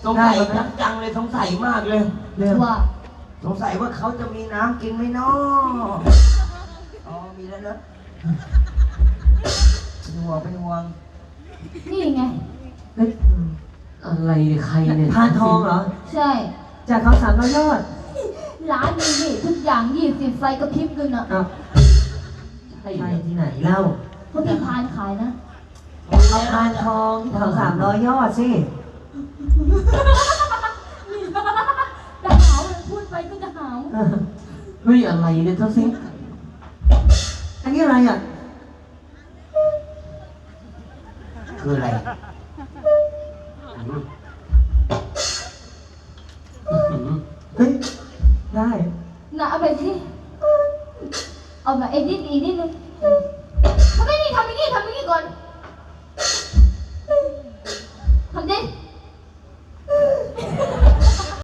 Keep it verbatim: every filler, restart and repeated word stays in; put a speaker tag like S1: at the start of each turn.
S1: สงสัยจังเลยสงสัยมากเลยเรื่อง
S2: ว่า
S1: สงสัยว่าเขาจะมีน้ำกินไหมเนาะอ๋อมีแล้วเนอะเป็นห่วงเป็นห่วง
S2: นี่ไง
S3: เฮ้ยอะไรเนี่ยใครเนี่ย
S4: พานทองเหรอ
S2: ใช่
S4: จากเขาสามร้อยยอด
S2: ร้านนี้นี่ทุกอย่างยี่สิบไฟกระพริบเลยนะ
S4: อ้าว
S3: ใช่
S4: ใช่
S3: เนี่ย
S4: ที่ไหนเล่า
S2: เพราะพี่พานขายนะ
S4: เอาพานทองที่เขาสามร้อยยอดสิ
S2: จะหาวเลยพูดไปก็จะหาว
S4: เออ
S3: เฮ้ยอะไรเนี่ยเท่าซิ
S4: อันนี้อะไรอ่ะ
S1: คืออะไร
S4: เฮ้ย ได้
S2: น่ะเอาไปสิเอาแบบเอ็ดนิดอีกนิดนึง